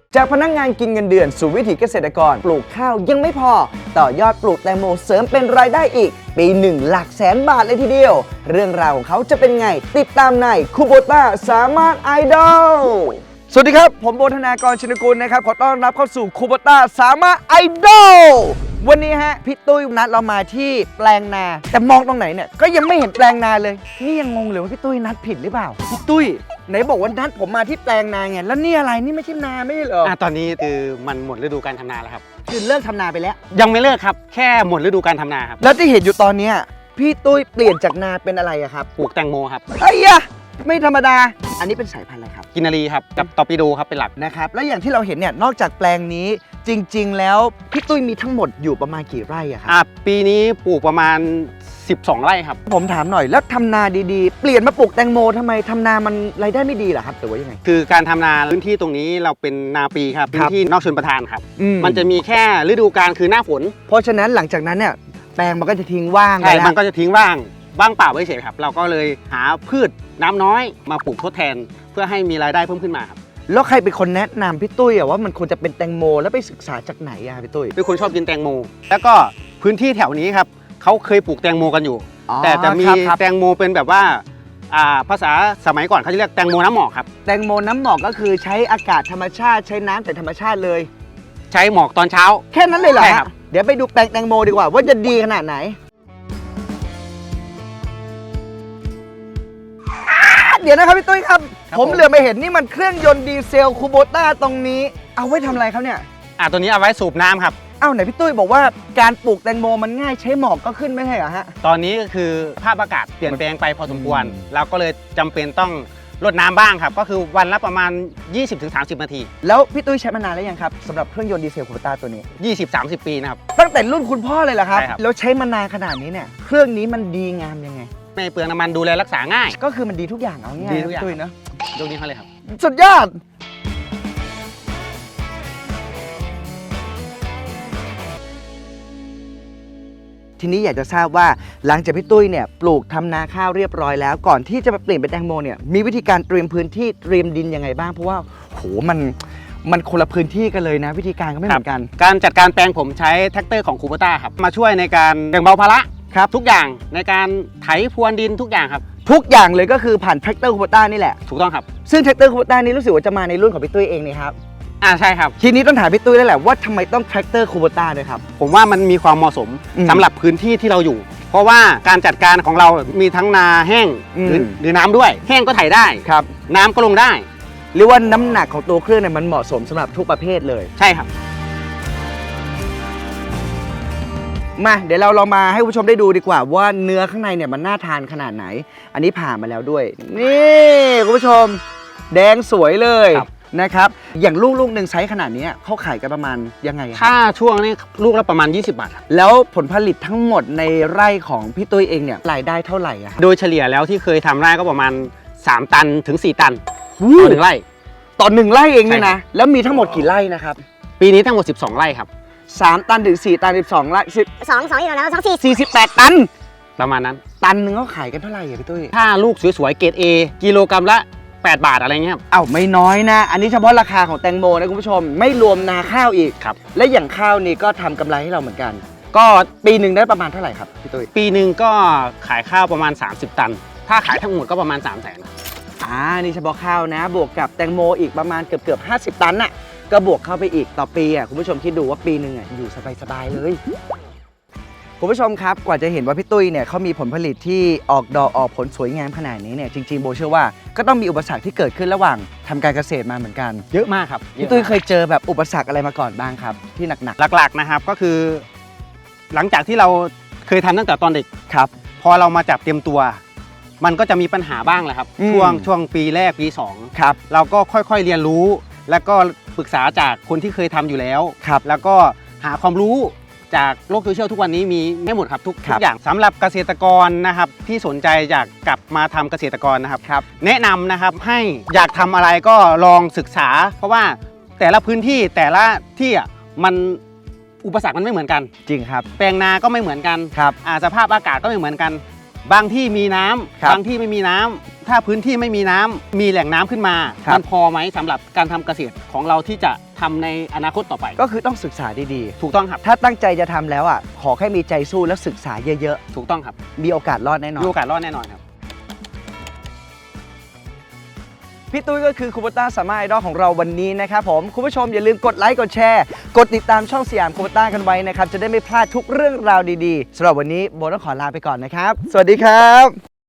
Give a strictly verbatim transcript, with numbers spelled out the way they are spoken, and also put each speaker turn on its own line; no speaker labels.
จากพนักงานกินเงินเดือนสู่วิถีเกษตรกรปลูกข้าวยังไม่พอต่อยอดปลูกแตงโมเสริมเป็นรายได้อีกปีหนึ่งหลักแสนบาทเลยทีเดียวเรื่องราวของเขาจะเป็นไงติดตามในคูโบต้าสามารถไอดอลสวัสดีครับผมโบธนากรชินกุลนะครับขอต้อนรับเข้าสู่คูโบต้าสามารถไอดอลวันนี้ฮะพี่ตุ้ยนัดเรามาที่แปลงนาแต่มองตรงไหนเนี่ยก็ยังไม่เห็นแปลงนาเลยนี่ยังงงเลยว่าพี่ตุ้ยนัดผิดหรือเปล่าพี่ตุ้ยไหนบอกว่านัดผมมาที่แปลงนาไงแล้วนี่อะไรนี่ไม่ใช่นาไม่ใช่เหรออ่ะ
ตอนนี้คือมันหมดฤดูการทำนาแล้วครับ
คือเลิกทำนาไปแล้ว
ยังไม่เลิกครับแค่หมดฤดูการทำนาครับ
แล้วที่เห็นอยู่ตอนนี้พี่ตุ้ยเปลี่ยนจากนาเป็นอะไรอะครับ
ปลูกแตงโมครับ
ไอ้ยะไม่ธรรมดาอันนี้เป็นสายพันธุ์อะไรครับ
กินนารีครับกับตอร์ปิโดครับเป็นหลัก
นะครับแล้วอย่างที่เราเห็นเนี่ยนอกจากแปลงนี้จริงๆแล้วพี่ตุ้ยมีทั้งหมดอยู่ประมาณกี่ไร่อะครับ
อ่ะปีนี้ปลูกประมาณสิบสองไร่ครับ
ผมถามหน่อยแล้วทำนาดีๆเปลี่ยนมาปลูกแตงโมทำไมทำนามันรายได้ไม่ดีเหรอครับหรือว่ายังไง
คือการทำนาพื้นที่ตรงนี้เราเป็นนาปีครับพื้นที่นอกชลประทานครับ
ม
มันจะมีแค่ฤดูกาลคือหน้าฝน
เพราะฉะนั้นหลังจากนั้นเนี่ยแปลงมันก็จะทิ้งว่าง
ใช่มันก็จะทิ้งว่างว่างเปล่าไว้เฉยครับเราก็เลยหาพืชน้ำน้อยมาปลูกทดแทนเพื่อให้มีรายได้เพิ่มขึ้นมาครับ
แล้วใครเป็นคนแนะนำพี่ตุ้ยอะว่ามันควรจะเป็นแตงโมแล้วไปศึกษาจากไหนอะพี่ตุ้ย
เป็นคนชอบกินแตงโมแล้วก็พื้นที่แถวนี้ครับเขาเคยปลูกแตงโมกันอยู่แต่จะมีแตงโมเป็นแบบว่าภาษาสมัยก่อนเขาจะเรียกแตงโมน้ำหมอกครับ
แตงโมน้ำหมอกก็คือใช้อากาศธรรมชาติใช้น้ำแต่ธรรมชาติเลย
ใช้หมอกตอนเช้า
แค่นั้นเลยเหรอครับเดี๋ยวไปดูแปลงแตงโมดีกว่าว่าจะดีขนาดไหนเดี๋ยวนะครับพี่ตุ้ยครับผมเหลือไปเห็นนี่มันเครื่องยนต์ดีเซลคูโบต้าตรงนี้เอาไว้ทำอะไรครับเนี่ย
อ่าตัวนี้เอาไว้สูบน้ำครับ
เอ้าไหนพี่ตุ้ยบอกว่าการปลูกแตงโมมันง่ายใช้หมอกก็ขึ้นไม่ใช่เหรอฮะ
ตอนนี้ก็คือภาพอากาศเปลี่ยนแปลงไปพอสมควรเราก็เลยจำเป็นต้องรดน้ำบ้างครับก็คือวันละประมาณ ยี่สิบถึงสามสิบ นาที
แล้วพี่ตุ้ยใช้มานานแล้วยังครับสำหรับเครื่องยนต์ดีเซลคูโบต้าตัวนี้
ยี่สิบ สามสิบ ปีนะครับ
ตั้งแต่รุ่นคุณพ่อเลยเหรอครับ
ใช่ครับ
แล้วใช้มานานขนาดนี้เนี่ยเครื่องนี้มันดีงามยังไง
ไม่เปลืองน้ำมันดูแลรักษาง่าย
ก็คือมันดีทุกอย่างเอาง่าย
ดีทุกอย่าง
ตุ้ยเนาะ
ยกนี้เขาเลยครับ
สุดยอดทีนี้อยากจะทราบว่าหลังจากพี่ตุ้ยเนี่ยปลูกทำนาข้าวเรียบร้อยแล้วก่อนที่จะมาเปลี่ยนเป็นแตงโมเนี่ยมีวิธีการเตรียมพื้นที่เตรียมดินยังไงบ้างเพราะว่าโหมันมันคนละพื้นที่กันเลยนะวิธีการก็ไม่เหมือนกัน
การจัดการแปลงผมใช้แท็กเตอร์ของคูโบต้าครับมาช่วยในการแบ่งเบาภาระ
ครับ
ทุกอย่างในการไถพรวนดินทุกอย่างครับ
ทุกอย่างเลยก็คือผ่านแท็กเตอร์คูโบต้านี่แหละ
ถูกต้องครับ
ซึ่งแท็กเตอร์คูโบต้านี้รู้สึกว่าจะมาในรุ่นของพี่ตุ้ยเองนี่ครับ
อ่าใช่ครับ
ทีนี้ต้องถามพี่ตุ้ยแล้วแหละว่าทำไมต้องแท็กเตอร์คูโบต้าด้วยครับ
ผมว่ามันมีความเหมาะสมสำหรับพื้นที่ที่เราอยู่เพราะว่าการจัดการของเรามีทั้งนาแห้งหรือหรือน้ำด้วยแห้งก็ไถได้
ครับ
น้ำก็ลงได้
หรือว่าน้ำหนักของตัวเครื่องเนี่ยมันเหมาะสมสำหรับทุกประเภทเลย
ใช่ครับ
มาเดี๋ยวเราลองมาให้ผู้ชมได้ดูดีกว่าว่าเนื้อข้างในเนี่ยมันน่าทานขนาดไหนอันนี้ผ่ามาแล้วด้วยนี่คุณผู้ชมแดงสวยเลยนะครับอย่างลูกลูกหนึ่งไซส์ขนาดนี้เขาขายกันประมาณยังไง
ถ้าช่วงนี้ลูกละประมาณยี่สิบบาท
แล้วผลผลิตทั้งหมดในไร่ของพี่ตุ้ยเองเนี่ยรายได้เท่าไหร่อะครับ
โดยเฉลี่ยแล้วที่เคยทำไร่ก็ประมาณสามตันถึงสี่ตันต่อหนึ่งไร่
ต่อหนึ่งไร่เองเนี่ยนะแล้วมีทั้งหมดกี่ไร่นะครับ
ปีนี้ทั้งหมดสิบสองไร่ครับ
สามตันถึงสี่ตันสิบสองไร่สิบ
สองสองอีกแล้วสองสี่
สี่สิบแปดตัน
ประมาณนั้น
ตันหนึ่งเขาขายกันเท่าไหร่อะพี่ตุ้ย
ถ้าลูกสวยๆเกรด A กิโลกรัมละแปดบาทอะไรเงี้ย
เอ้าไม่น้อยนะอันนี้เฉพาะราคาของแตงโมนะคุณผู้ชมไม่รวมนาข้าวอีก
ครับ
และอย่างข้าวนี่ก็ทำกำไรให้เราเหมือนกันก็ปีหนึ่งได้ประมาณเท่าไหร่ครับพี่ตุ้ย
ปีหนึ่งก็ขายข้าวประมาณสามสิบตันถ้าขายทั้งหมดก็ประมาณสามแสน
อ่านี่เฉพาะข้าวนะบวกกับแตงโมอีกประมาณเกือบเกือบห้าสิบตันน่ะก็บวกเข้าไปอีกต่อปีอ่ะคุณผู้ชมคิดดูว่าปีหนึ่งอ่ะอยู่สบายๆเลยคุณผู้ชมครับกว่าจะเห็นว่าพี่ตุ้ยเนี่ยเขามีผลผลิตที่ออกดอกออกผลสวยงามขนาดนี้เนี่ยจริงๆโบเชื่อว่าก็ต้องมีอุปสรรคที่เกิดขึ้นระหว่างทำการเกษตรมาเหมือนกัน
เยอะมากครับ
พี่ตุ้ยเคยเจอแบบอุปสรรคอะไรมาก่อนบ้างครับที่หนัก
ๆหลักๆนะครับก็คือหลังจากที่เราเคยทำตั้งแต่ตอนเด็ก
ครับ
พอเรามาจับเต็มตัวมันก็จะมีปัญหาบ้างแหละครับช่วงช่วงปีแรกปีสอง
ครับ
เราก็ค่อยๆเรียนรู้แล้วก็ปรึกษาจากคนที่เคยทำอยู่แล้ว
ครับ
แล้วก็หาความรู้จากโลกโซเชียลทุกวันนี้มีไม่หมดครับทุกทุกอย่างสำหรับเกษตรกรนะครับที่สนใจอยากกลับมาทำเกษตรกรนะครับ
ครับ
แนะนำนะครับให้อยากทำอะไรก็ลองศึกษาเพราะว่าแต่ละพื้นที่แต่ละที่อ่ะมันอุปสรรคมันไม่เหมือนกัน
จริงครับ
แปลงนาก็ไม่เหมือนกัน
ครับ
สภาพอากาศก็ไม่เหมือนกันบางที่มีน้ำ
ครับ
บางที่ไม่มีน้ำถ้าพื้นที่ไม่มีน้ำมีแหล่งน้ำขึ้นมา
ครับ
มันพอไหมสำหรับการทำเกษตรของเราที่จะทำในอนาคตต่อไป
ก็คือต้องศึกษาดี
ถูกต้องครับ
ๆ ถ้าตั้งใจจะทำแล้วอ่ะขอแค่มีใจสู้และศึกษาเยอะ
ถูกต้องครับ
ๆ มีโอกาสรอดแน่นอน
มีโอกาสรอดแน่นอนครับ
พี่ตุ้ยก็คือคูโบต้าสามารถไอดอลของเราวันนี้นะครับผมคุณผู้ชมอย่าลืมกดไลค์กดแชร์กดติดตามช่องสยามคูโบต้ากันไว้นะครับจะได้ไม่พลาดทุกเรื่องราวดีๆสำหรับวันนี้โบต้องขอลาไปก่อนนะครับสวัสดีครับ